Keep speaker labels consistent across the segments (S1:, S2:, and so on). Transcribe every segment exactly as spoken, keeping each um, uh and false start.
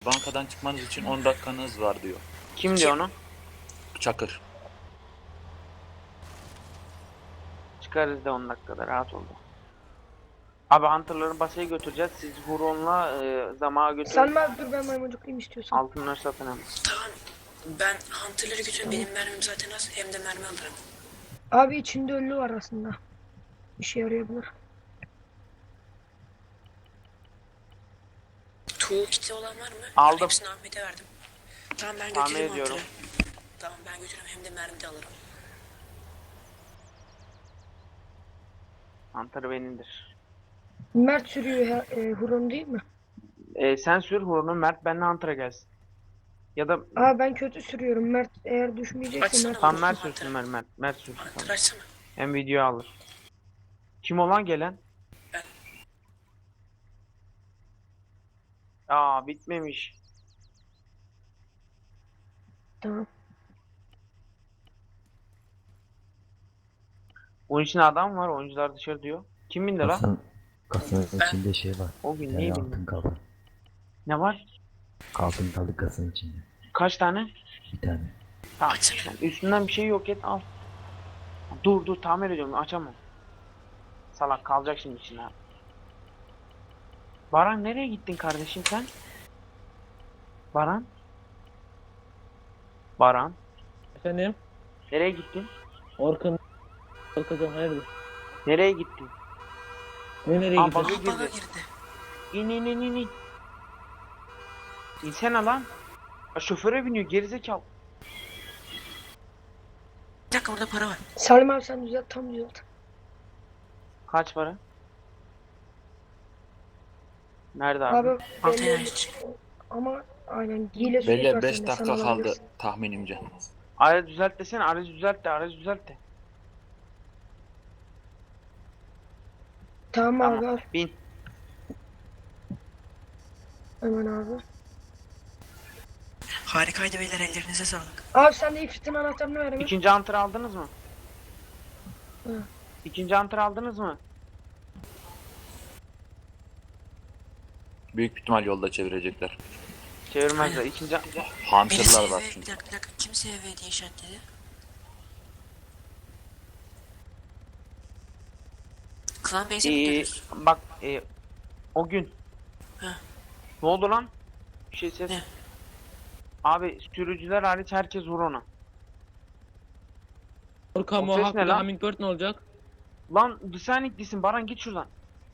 S1: Bankadan çıkmanız için on dakikanız var diyor.
S2: Kim diyor onu?
S1: Çakır.
S2: Çıkarız da on dakikada, rahat ol. Abi Hunter'ların basayı götüreceğiz. Siz Huron'la e, Zama'a götürün.
S3: Sen abi dur, ben maymuncuklayayım istiyorsan.
S2: Altınları satın hemen.
S4: Tamam. Ben Hunter'ları götürüyorum. Benim mermim zaten az. Hem de mermi alırım.
S3: Abi içinde ölü var aslında. İşe yarayabilir.
S4: Tuğ kiti olan var mı?
S2: Aldım.
S4: Ben hepsini Ahmet'e verdim. Tamam, ben
S2: Tahmin
S4: götüreyim
S2: ediyorum.
S4: Hunter'ı. Tamam, ben götürüyorum. Hem de mermi de alırım.
S2: Hunter benimdir.
S3: Mert sürüyor he- e, Huron değil mi?
S2: E, sen sür Huron'u, Mert benimle Hunter'a gelsin. Ya da
S3: Aa, ben kötü sürüyorum. Mert eğer düşmeyecekse
S4: Açsana.
S3: Mert.
S2: tam
S4: Dur,
S2: Mert
S4: Hunter.
S2: sürsün Mert. Mert, Mert sürsün.
S4: Hunter
S2: Tamam.
S4: açsana.
S2: Hem video alır. Kim olan gelen?
S4: Ben.
S2: Aa, bitmemiş.
S3: Tamam.
S2: Onun için adam var, oyuncular dışarı diyor. Kim bindi lan?
S5: Kasanın, kasanın
S4: Ben-
S5: içinde şey var.
S2: O gün
S5: Bir
S2: neyi
S5: tane
S2: bindi?
S5: altın kaldı.
S2: Ne var?
S5: Altın kaldı kasanın içinde.
S2: Kaç tane?
S5: Bir tane.
S2: Tamam.
S4: Açsana.
S2: Sen üstünden bir şey yok et, al. Dur dur, tamir ediyorum, açamam. Salak kalacak şimdi içine. Baran, nereye gittin kardeşim sen? Baran? Baran?
S6: Efendim?
S2: Nereye gittin?
S6: Orkun Orkun hayırdır?
S2: Nereye gittin?
S6: Ne nereye
S2: Aa,
S6: gideceğiz?
S2: bak-
S4: Aa, bana
S2: girdi.
S4: girdi.
S2: İn in in in in. İnsene lan. Ya, şoföre biniyor gerizekalı.
S4: Bir dakika, orada para var.
S3: Salim abi sen düzelt, tam düzelt.
S2: Kaç para? Nerede abi?
S3: Abi
S4: Altı
S3: belli
S4: enerji.
S3: ama aynen hile sürekli
S1: Belli
S3: var
S1: beş
S3: sende,
S1: dakika
S3: sen
S1: kaldı
S3: alabilirsin.
S1: tahminimce.
S2: Aracı düzelt desene, aracı düzelt de, aracı düzelt de.
S3: Tamam,
S2: Tamam.
S3: abi al.
S2: Bin.
S3: Hemen abi.
S4: Harikaydı beyler, ellerinize sağlık.
S3: Abi sen de ifritin anahtarını ver hemen.
S2: İkinci antır aldınız mı?
S3: Hı.
S2: İkinci antır aldınız mı?
S1: Büyük ihtimal yolda çevirecekler.
S2: Çevirmezler. İkinci
S1: Hunter'lar
S4: Birisi
S1: var
S4: eve, bir
S1: çünkü.
S4: dakika bir dakika. Kimse eve diye işaretledi. Klan Bey'e mi
S2: Ee,
S4: gidiyoruz?
S2: bak e, o gün.
S4: Heh.
S2: Ne oldu lan? Bir şey ses.
S4: Ne?
S2: Abi sürücüler hariç herkes vur ona.
S6: Orkan
S2: O ses
S6: Mohawk
S2: ne
S6: bir de
S2: lan?
S6: Hummingbird ne olacak?
S2: Lan sen itlisin Baran, git şuradan.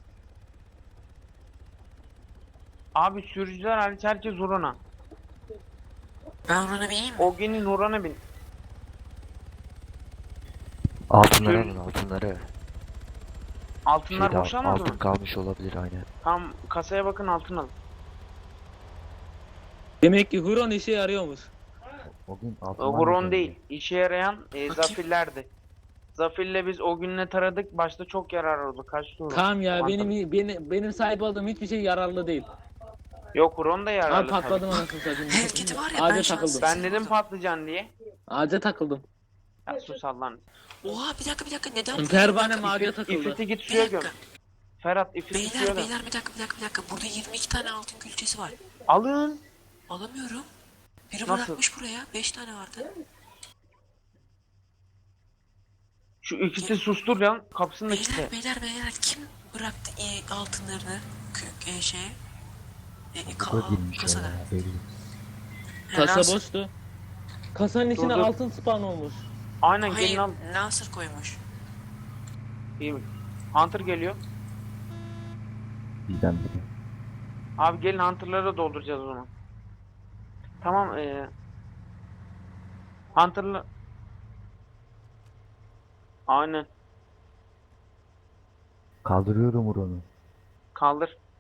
S2: Abi sürücüler hariç herkes vur ona.
S4: Ben ona bineyim mi?
S2: O günün Nurhan'a bin.
S5: Altınları
S2: Sür-
S5: alın altınları.
S2: Altınlar
S5: Şeyde
S2: boşalmadı
S5: altın
S2: mı?
S5: kalmış olabilir aynen.
S2: Tam kasaya bakın, altın alın.
S6: Demek ki Huron işe yarıyormuş.
S5: O gün altın
S2: O
S5: var
S2: Huron
S5: mıydı
S2: değil. İşe yarayan e,
S4: Bakayım.
S2: Zafirlerdi. Zafirle biz o günle taradık. Başta çok yarar oldu. Kaçtı Huron.
S6: Tamam ya,
S2: Anladım.
S6: benim benim benim sahip olduğum hiçbir şey yararlı değil.
S2: Yok, Huron da
S6: Abi
S2: yararlı
S6: patladım
S2: tabii.
S6: anasını satayım.
S4: Hareketi var ya, ben
S6: Ağaca
S4: şu an
S6: takıldım.
S2: Ben dedim patlıcan diye.
S6: Ağaca takıldım.
S2: Ya sus Allah'ın.
S4: Oha, bir dakika bir dakika, neden?
S6: Pervanem
S4: Bir
S6: ağaca
S2: İfrit,
S6: takıldı.
S2: İfrit'i git
S4: Bir
S2: suya göm.
S4: dakika.
S2: Ferhat İfrit'i suya
S4: Beyler
S2: göm.
S4: beyler, bir dakika bir dakika bir dakika. Burada yirmi iki tane altın külçesi var.
S2: Alın.
S4: Alamıyorum. Biri
S2: Nasıl?
S4: bırakmış buraya. beş tane vardı.
S2: Şu İfrit'i sustur lan. Kapısını da
S4: Beyler
S2: kilitle.
S4: beyler beyler, kim bıraktı e, altınlarını kö, e, şeye? E, e, ka,
S5: Bu da girmiş
S4: kasada.
S5: ya belli.
S6: Kasa
S4: Nasır-
S6: boştu. Kasanın içine
S2: dur.
S6: altın spawn olmuş.
S2: Aynen,
S4: Hayır,
S2: gelin al.
S4: Nasır koymuş.
S2: İyi mi? Hunter geliyor.
S5: Bizden biri.
S2: Abi gelin, Hunter'ları da dolduracağız o zaman. Tamam ee. Hunter'la... Aynen.
S5: Kaldırıyorum Huron'u.
S2: Kaldır.